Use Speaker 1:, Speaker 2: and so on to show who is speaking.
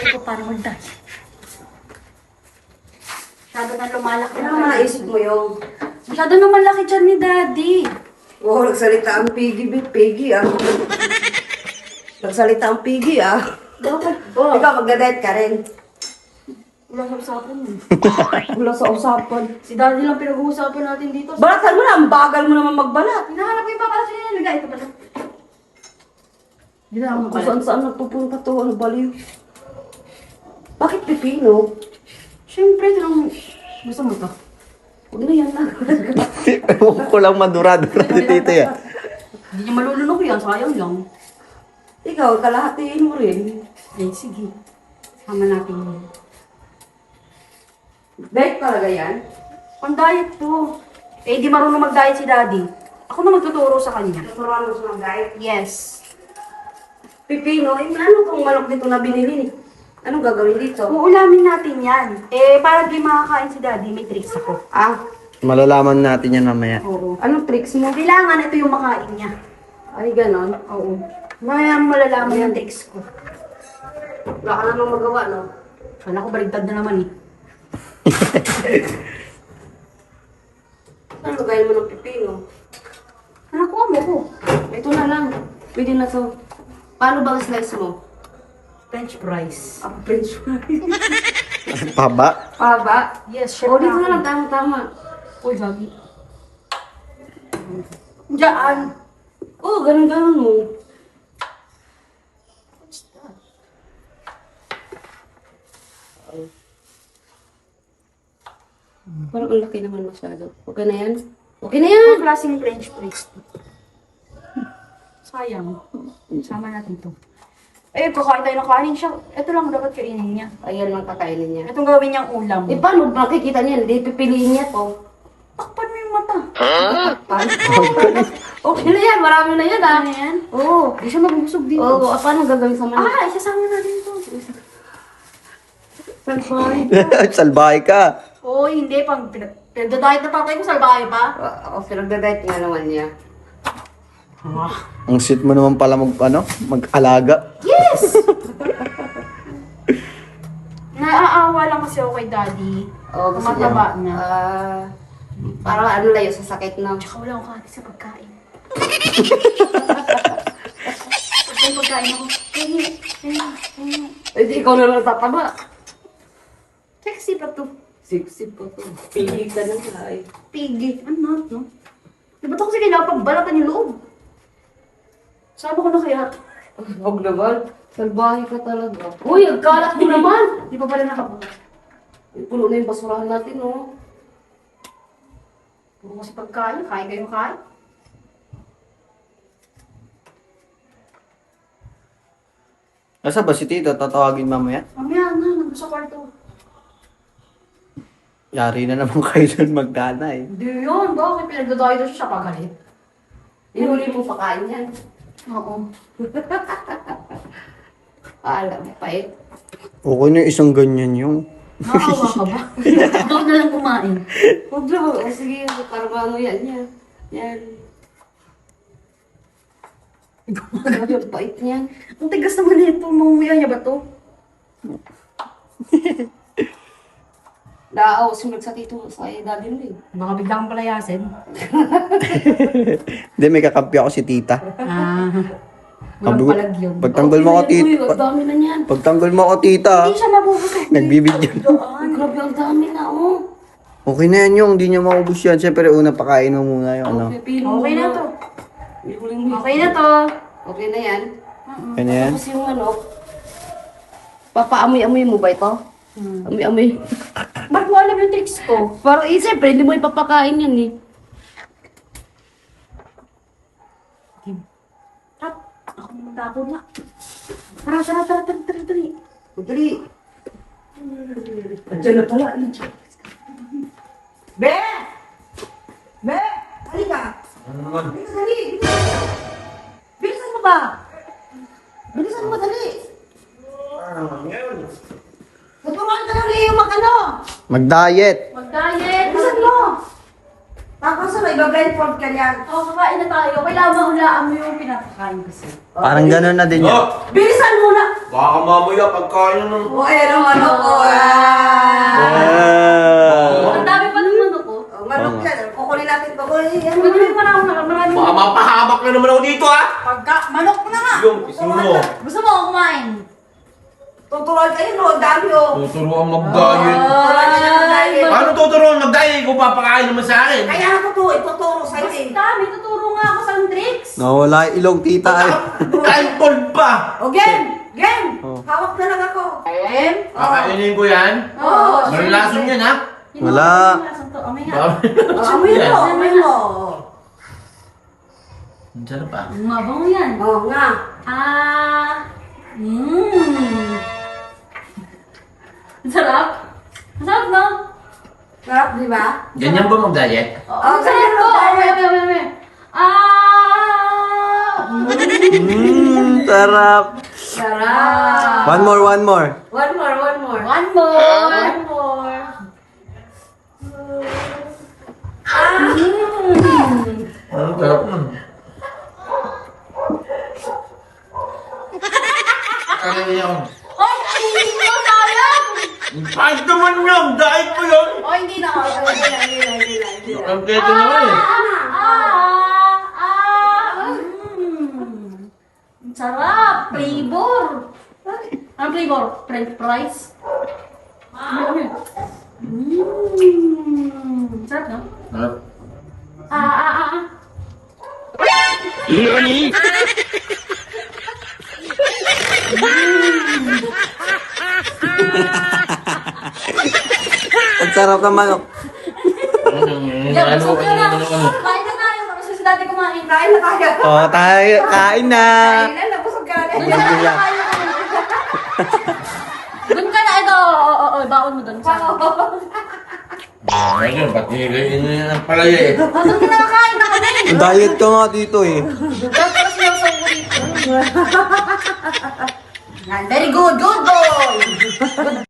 Speaker 1: ko para mag-diet. Masyado na lumalaki.
Speaker 2: Ano ang naisip mo yung?
Speaker 1: Masyado na malaki dyan ni Daddy.
Speaker 2: Oo, nagsalita ang Piggy, ah. Nagsalita ang Piggy, ah.
Speaker 1: Dapat ba?
Speaker 2: Ikaw, magda-diet ka rin.
Speaker 1: Wala sa usapan mo.
Speaker 2: Wala sa usapan.
Speaker 1: Si Daddy lang pinag-uusapan natin dito.
Speaker 2: Balatan mo na, ang bagal mo naman magbalat.
Speaker 1: Hinahanap ko yung papala siya niya. Ito pala. Hindi na ako
Speaker 2: Kung
Speaker 1: magbalat.
Speaker 2: saan-saan nagpupunta to, ano baliw. Bakit pipino?
Speaker 1: Siyempre, tinang... Gusto mo to?
Speaker 2: Huwag na yan na.
Speaker 3: Ewan ko lang madura-dura ni tita yan.
Speaker 1: Hindi niya malulunok yan. Sayang lang.
Speaker 2: Ikaw, kalahatiin mo rin.
Speaker 1: Eh, sige. Sama natin yun.
Speaker 2: Diet talaga yan?
Speaker 1: Pang diet to. Eh, di marunong mag-diet si Daddy. Ako na magtuturo sa kanya.
Speaker 2: Naturuan mo siya ng diet?
Speaker 1: Yes.
Speaker 2: Pipino, eh, ano tong manok dito na binili ni? Anong gagawin dito?
Speaker 1: Uulamin natin yan. Eh, para di makakain si Daddy, may tricks ako.
Speaker 2: Ah,
Speaker 3: Malalaman natin yan mamaya.
Speaker 1: Oo.
Speaker 2: anong tricks mo?
Speaker 1: Kailangan ito yung makain niya.
Speaker 2: Ay, ganon.
Speaker 1: Oo. Maya malalaman yung tricks ko.
Speaker 2: Wala ka namang magawa, no?
Speaker 1: Kala ko baligtad na naman eh.
Speaker 2: Ano gawin mo ng pipino?
Speaker 1: Anak ko, amo ko.
Speaker 2: Ito na lang. Pwede na to. Paano ba ang slice mo?
Speaker 1: French fries.
Speaker 2: Ah, French fries.
Speaker 3: Paba?
Speaker 2: Paba?
Speaker 1: Yes, chef
Speaker 2: O, dito
Speaker 1: na
Speaker 2: na lang. Tama-tama.
Speaker 1: Uy, Gagi. Diyan.
Speaker 2: Oo, ganun-ganun mo. Parang ang laki naman masyado. Okay na yan? Okay na yan!
Speaker 1: Ang klaseng French fries. Sayang. Sama natin to. Eh, kakain tayo ng kanin siya. Ito lang dapat kainin niya.
Speaker 2: Ayan lang kakainin niya.
Speaker 1: Itong gawin niyang ulam.
Speaker 2: Eh, paano makikita niya? Hindi pipiliin niya to.
Speaker 1: Takpan mo yung mata.
Speaker 2: Paano? Okay na yan. Marami na yan, ah.
Speaker 1: Ano yan?
Speaker 2: Oo.
Speaker 1: Hindi siya mabusog dito.
Speaker 2: Oo, paano gagawin sa manok?
Speaker 1: Ah, isasama natin to. Salbahe.
Speaker 3: Salbahe ka.
Speaker 1: Oo, hindi. Pag pinagdadayat na tatay ko, salbahe pa.
Speaker 2: Oo, pinagdadayat nga naman niya.
Speaker 3: Ang sweet mo naman pala mag-alaga.
Speaker 1: Yes! Naaawa lang kasi ako kay Daddy.
Speaker 2: Oo, gusto niya.
Speaker 1: Tumataba na.
Speaker 2: Parang ano layo sa sakit na.
Speaker 1: Tsaka wala akong kati sa pagkain. Pag may pagkain ako,
Speaker 2: Eh, di ikaw na lang tataba.
Speaker 1: sexy pa to.
Speaker 2: Sip-sip po to. Pili ka na nga eh.
Speaker 1: Piggy. Ano, no? Di ba ito kasi kailangan pagbalatan yung loob? Sama ko na kaya.
Speaker 2: Huwag naman. Salbahe ka talaga. Uy, ang kalat mo naman!
Speaker 1: Di pa pala nakabukas.
Speaker 2: Puno na yung basurahan natin, oh.
Speaker 1: Puro kasi pagkain. Kain kayo kain.
Speaker 3: Nasa ba si tita? Tatawagin mamaya?
Speaker 1: Mamaya na, nandun sa kwarto.
Speaker 3: Yari na naman kayo dun magdana eh.
Speaker 1: Hindi yun. Bakit pinagdadayat siya pagalit?
Speaker 2: Ihuli mo pakain yan.
Speaker 1: Oo.
Speaker 2: Alam, pait.
Speaker 3: Okay na isang ganyan yung.
Speaker 1: Nakawa ka ba? Ikaw na lang kumain.
Speaker 2: Huwag naman. O sige, para ano yan, yan. Yan. Grabe ang pait niyan.
Speaker 1: Ang tigas naman nito. Mamumuya niya ba to?
Speaker 2: Daaw, sumunod sa tito sa daddy mo eh.
Speaker 1: Baka bigla kang palayasin.
Speaker 3: Hindi, may kakampi ako si tita.
Speaker 1: Ah. Walang
Speaker 3: Kabu-
Speaker 1: palag yun.
Speaker 3: Pagtanggol mo ako
Speaker 2: Okay na yan,
Speaker 3: tita.
Speaker 2: uy, ang dami na niyan.
Speaker 3: Pagtanggol mo ako tita.
Speaker 1: Hindi siya mabubusog.
Speaker 3: Nagbibidyo.
Speaker 2: Ay, grabe ang dami na, oh.
Speaker 3: Okay na yan yung. Hindi niya maubos yan. Siyempre una pakain mo muna yung ano.
Speaker 2: Okay, pili mo
Speaker 1: Okay na
Speaker 2: na.
Speaker 1: to.
Speaker 2: Ihuli mo.
Speaker 1: Okay na to.
Speaker 2: Okay na yan.
Speaker 3: Okay na yan.
Speaker 2: Tapos yung ano, papaamoy-amoy mo ba ito? Amoy-amoy.
Speaker 1: Ba't mo alam yung tricks ko?
Speaker 2: Parang siyempre, hindi mo ipapakain yan eh.
Speaker 1: Tap. Ako naman dako na. Tara, tara, tara, tara, tara, tara.
Speaker 2: Madali. Andiyan na pala. Be! Be! Halika! Bilisan, dali! Bilisan mo ba? Bilisan mo, dali! Naturuan ka na rin yung mag-ano!
Speaker 3: Mag-diet.
Speaker 1: Mag-diet.
Speaker 2: Bilisan mo! Tapos ano, iba-blindfold ka niyan.
Speaker 1: O, kakain na tayo. Kailangan mahulaan mo yung pinapakain kasi.
Speaker 3: Parang gano'n na din yan.
Speaker 2: Bilisan mo na!
Speaker 4: Baka mamaya pagkain ng...
Speaker 2: O, ayan ang manok ko.
Speaker 1: Ang dami pa ng manok ko.
Speaker 2: Manok yan. Kukunin natin pa. Ayan,
Speaker 1: Marami pa na ako, marami.
Speaker 4: Baka mapahamak na naman ako dito, ha?
Speaker 1: Manok na nga.
Speaker 4: Yung, isin mo.
Speaker 1: Gusto mo ako kumain?
Speaker 2: tuturuan kayo, no? Ang dami, oh.
Speaker 4: Tuturuan mag-diet.
Speaker 2: Tuturuan nyo ng diet.
Speaker 4: Paano tuturuan mag-diet kung papakain naman sa akin?
Speaker 2: Kaya ako to, ituturo sa'yo eh.
Speaker 1: Basta, may tuturo nga ako sa tricks.
Speaker 3: Nawala yung ilong tita eh.
Speaker 4: Kain cold pa!
Speaker 2: O, game! Game!
Speaker 3: Oh.
Speaker 2: Hawak na lang ako.
Speaker 1: Em?
Speaker 4: Kakainin ko yan?
Speaker 2: Oo.
Speaker 4: Malalason yan, ha?
Speaker 3: Wala.
Speaker 1: Amay nga.
Speaker 2: Amoy mo, amoy mo.
Speaker 4: Ang sarap, ah.
Speaker 1: Mabango yan.
Speaker 2: Oo nga.
Speaker 1: Ang sarap. Ang sarap, no?
Speaker 2: Sarap, di ba?
Speaker 4: Ganyan ba mag-diet?
Speaker 2: Oo,
Speaker 1: Ang sarap
Speaker 2: ganyan
Speaker 1: ko.
Speaker 2: mag-diet.
Speaker 1: Amay.
Speaker 3: Sarap.
Speaker 2: Sarap.
Speaker 3: One more.
Speaker 2: One more.
Speaker 1: One more.
Speaker 4: Ang sarap nun. Ano yan?
Speaker 1: Ay, hindi ko sayang.
Speaker 4: Kahit naman yan! Diet mo yun!
Speaker 1: Oh, hindi na.
Speaker 2: Hindi na.
Speaker 4: Ang keto naman eh.
Speaker 1: Ang sarap. Flavor. Ang flavor? French fries? Ano yun? Sarap, no?
Speaker 4: Sarap.
Speaker 3: Ang sarap ng manok.
Speaker 1: Yeah, busog ka na. Kain na tayo. Tapos si dati kumain.
Speaker 2: Kain na tayo.
Speaker 3: Oh, tayo. Kain na.
Speaker 2: Kain na, nabusog ka na.
Speaker 3: Yan, yan.
Speaker 1: Doon ka na. Ito. Oo, baon mo doon.
Speaker 4: Ayun, pati ganyan ang palaya eh.
Speaker 1: Doon ka nakakain na kami.
Speaker 3: Diet ka nga dito eh.
Speaker 1: Tapos yung sa dito.
Speaker 2: Very good, good boy.